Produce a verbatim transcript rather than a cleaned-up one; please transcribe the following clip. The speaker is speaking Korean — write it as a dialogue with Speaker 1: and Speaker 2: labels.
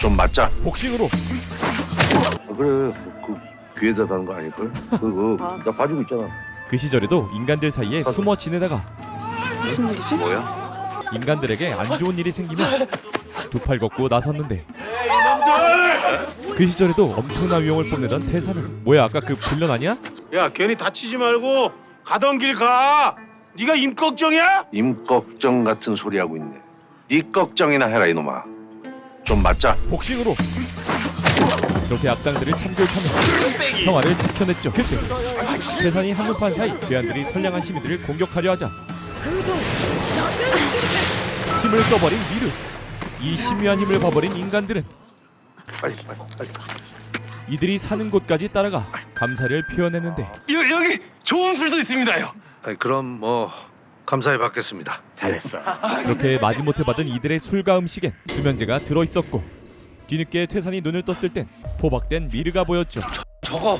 Speaker 1: 좀 맞자.
Speaker 2: 복싱으로
Speaker 1: 아, 그래 그 귀에다 다는 거 아닐걸? 그거 나 봐주고 있잖아.
Speaker 2: 그 시절에도 인간들 사이에 숨어 지내다가
Speaker 3: 무슨 일이지?
Speaker 1: 뭐야?
Speaker 2: 인간들에게 안 좋은 일이 생기면 두 팔 걷고 나섰는데 그 시절에도 엄청난 위용을 뽐내던 태사는 뭐야 아까 그 빌런 아니야?
Speaker 4: 야 괜히 다치지 말고 가던 길 가. 네가 임 걱정이야?
Speaker 1: 임 걱정 같은 소리 하고 있네. 네 걱정이나 해라 이놈아. 좀 맞자.
Speaker 2: 복싱으로 이렇게 악당들을 참교육하며 평화를 지켜냈죠. 그때 태산이 한눈판 사이 괴한들이 선량한 시민들을 공격하려 하자 힘을 써버린 미르. 이 신묘한 힘을 봐버린 인간들은
Speaker 1: 빨리 빨리 빨리.
Speaker 2: 이들이 사는 곳까지 따라가 감사를 표현했는데
Speaker 4: 여, 여기 좋은 술도 있습니다요.
Speaker 1: 아니, 그럼 뭐 감사히 받겠습니다.
Speaker 4: 잘했어.
Speaker 2: 그렇게 마지못해 받은 이들의 술과 음식엔 수면제가 들어있었고 뒤늦게 태산이 눈을 떴을 땐 포박된 미르가 보였죠.
Speaker 4: 저거